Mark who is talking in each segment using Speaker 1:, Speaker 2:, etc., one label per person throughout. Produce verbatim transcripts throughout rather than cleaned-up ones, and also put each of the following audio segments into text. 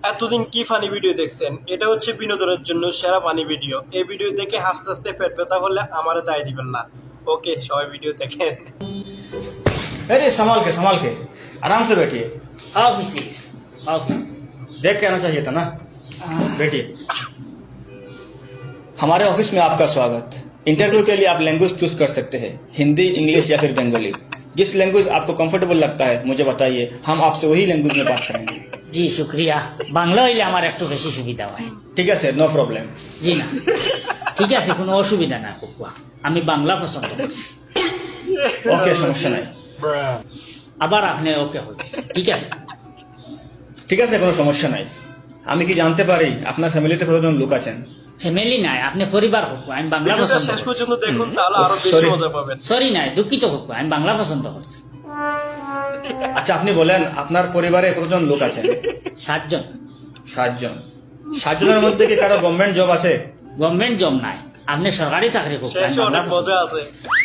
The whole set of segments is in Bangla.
Speaker 1: এতদিন কি ফানি ভিডিও দেখছেন? এটা হচ্ছে বিনোদনের জন্য সেরা ফানি ভিডিও। এই ভিডিও দেখে হাসতে হাসতে পেট ব্যথা হলে আমারে দায় দিবেন না। ওকে, সবাই ভিডিও দেখেন।
Speaker 2: अरे संभाल के संभाल के आराम से बैठिए।
Speaker 3: ऑफिस प्लीज ऑफिस
Speaker 2: देख के आना चाहिए था ना। बैठिए। हमारे ऑफिस में आपका स्वागत। इंटरव्यू के लिए आप लैंग्वेज चूज कर सकते हैं, हिंदी, इंग्लिश या फिर बंगाली। जिस लैंग्वेज आपको कंफर्टेबल लगता है मुझे बताइए, हम आपसे वही लैंग्वेज में बात करेंगे।
Speaker 3: জি শুক্রিয়া বাংলা হইলে আমার একটু বেশি সুবিধা হয়
Speaker 2: ठीक है सर, नो प्रॉब्लम।
Speaker 3: জি না ঠিক আছে কোনো অসুবিধা না কুকুয়া আমি বাংলা পছন্দ করছি
Speaker 2: ओके, समस्या नहीं।
Speaker 3: আবার আপনি ওকে হই ঠিক আছে
Speaker 2: ঠিক আছে, কোনো সমস্যা নাই। আমি কি জানতে পারি আপনার ফ্যামিলিতে কতজন লোক আছেন?
Speaker 3: ফ্যামিলি নাই আপনি পরিবার কুকুয়া আমি বাংলা
Speaker 1: ভিডিওটা
Speaker 3: পছন্দ
Speaker 1: শেষ
Speaker 3: করছি
Speaker 1: পর্যন্ত দেখুন, তাহলে আরো বেশি
Speaker 2: Sorry.
Speaker 1: মজা পাবেন।
Speaker 3: সরি নাই দুঃখিত কুকুয়া আমি বাংলা পছন্দ করছি
Speaker 2: আচ্ছা, আপনি বলেন আপনার পরিবারে কতজন লোক আছেন?
Speaker 3: সাতজন
Speaker 2: সাতজন। সাতজনের মধ্যে কি কারো গভর্নমেন্ট জব আছে?
Speaker 3: গভর্নমেন্ট জব নাই আপনি সরকারি চাকরি কুকুয়া
Speaker 1: শেষে অনেক মজা আছে।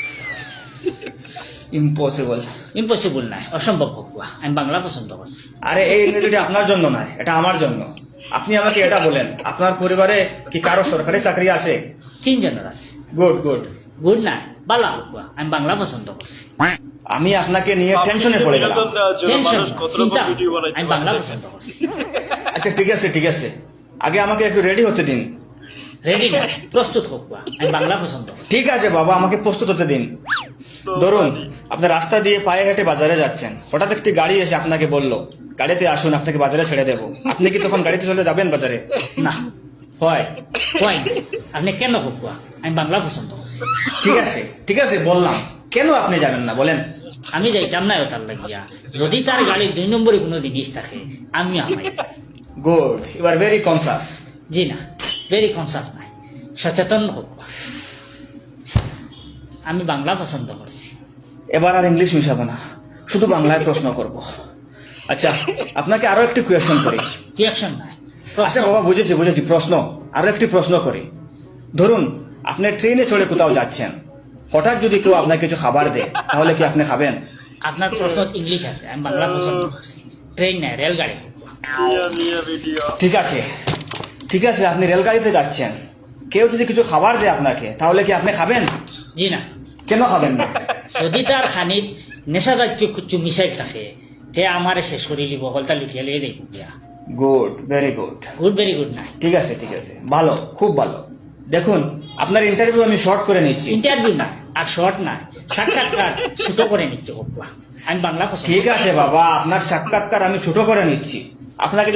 Speaker 2: ইম্পসিবল।
Speaker 3: ইম্পসিবল নাই অসম্ভব কুকুয়া আমি বাংলা পছন্দ করছি
Speaker 2: আরে এই ইংরেজিটা আপনার জন্য নয়, এটা আমার জন্য। আপনি আমাকে এটা বলেন, আপনার পরিবারে কি কারো সরকারি চাকরি আছে?
Speaker 3: তিনজনের আছে
Speaker 2: গুড গুড।
Speaker 3: গুড নাই বালা কুকুয়া আমি বাংলা পছন্দ করছি
Speaker 2: আমি আপনাকে নিয়ে টেনশনে পড়ে গেলাম।
Speaker 1: বিনোদন দেওয়ার জন্য
Speaker 3: টেনশন
Speaker 1: মানুষ কত রকম
Speaker 3: চিন্তা
Speaker 1: ভিডিও বানাইতে
Speaker 3: আমি বাংলা
Speaker 1: পারে।
Speaker 3: পছন্দ করছি
Speaker 2: আচ্ছা ঠিক আছে ঠিক আছে, আগে আমাকে একটু রেডি হতে দিন।
Speaker 3: রেডি না প্রস্তুত কুকুয়া আমি বাংলা পছন্দ করছি
Speaker 2: ঠিক আছে বাবা, আমাকে প্রস্তুত হতে দিন।
Speaker 1: So
Speaker 2: ধরুন
Speaker 1: funny.
Speaker 2: আপনি রাস্তা দিয়ে পায়ে হেঁটে বাজারে যাচ্ছেন, হঠাৎ একটি গাড়ি এসে আপনাকে বলল গাড়িতে আসুন, আপনাকে বাজারে ছেড়ে দেবো। আপনি কি তখন গাড়িতে চলে যাবেন বাজারে?
Speaker 3: না
Speaker 2: হয়।
Speaker 3: হয় না। আপনি কেন কুকুয়া আমি বাংলা পছন্দ করছি
Speaker 2: ঠিক আছে ঠিক আছে বললাম, কেন আপনি যাবেন না বলেন?
Speaker 3: আমি যাইতাম না তার লাগিয়া যদি তার গাড়ি দুই নম্বরে কোনো জিনিস থাকে আমিও আমাই
Speaker 2: good, you are very conscious.
Speaker 3: জি না ভেরি কনসাস নাই সচেতন কুকুয়া আমি বাংলা পছন্দ করছি
Speaker 2: এবার আর ইংলিশ মিশাবো না, শুধু বাংলায় প্রশ্ন করব। আচ্ছা, আপনাকে আরো একটি কোয়েশ্চন করি।
Speaker 3: রিয়াকশন নাই
Speaker 2: আচ্ছা বাবা, বুঝেছি বুঝেছি, প্রশ্ন আরো একটি প্রশ্ন করি। ধরুন আপনি ট্রেনে চড়ে কোথাও যাচ্ছেন, হঠাৎ যদি কেউ আপনাকে কিছু খাবার দেয়, তাহলে কি আপনি খাবেন?
Speaker 3: আপনার প্রশ্ন ইংলিশ আছে আমি বাংলা পছন্দ করছি ট্রেন নাই রেলগাড়ি কুকুয়া
Speaker 1: মিয়া মিয়া ভিডিও।
Speaker 2: ঠিক আছে ঠিক আছে, আপনি রেলগাড়িতে যাচ্ছেন, কেউ যদি কিছু খাবার দেয় আপনাকে, তাহলে কি আপনি খাবেন?
Speaker 3: জি না
Speaker 2: কেন খাবেন না?
Speaker 3: যদি তার খানিত নেশাজাতীয় কিছু মিশাই থাকে তে আমারে শেষ করে দিব হলতা লুটিয়া লিয়ে যাই দিয়া
Speaker 2: good, very good.
Speaker 3: Good very good নাই
Speaker 2: ঠিক আছে ঠিক আছে, ভালো, খুব ভালো। দেখুন আপনার ইন্টারভিউ আমি শর্ট করে নিচ্ছি।
Speaker 3: ইন্টারভিউ না আর শর্ট না সাক্ষাৎকার ছোট করে নিচ্ছে কুকুয়া আমি বাংলা পছন্দ
Speaker 2: ঠিক আছে বাবা, আপনার সাক্ষাৎকার আমি ছোট করে নিচ্ছি। আপনাকে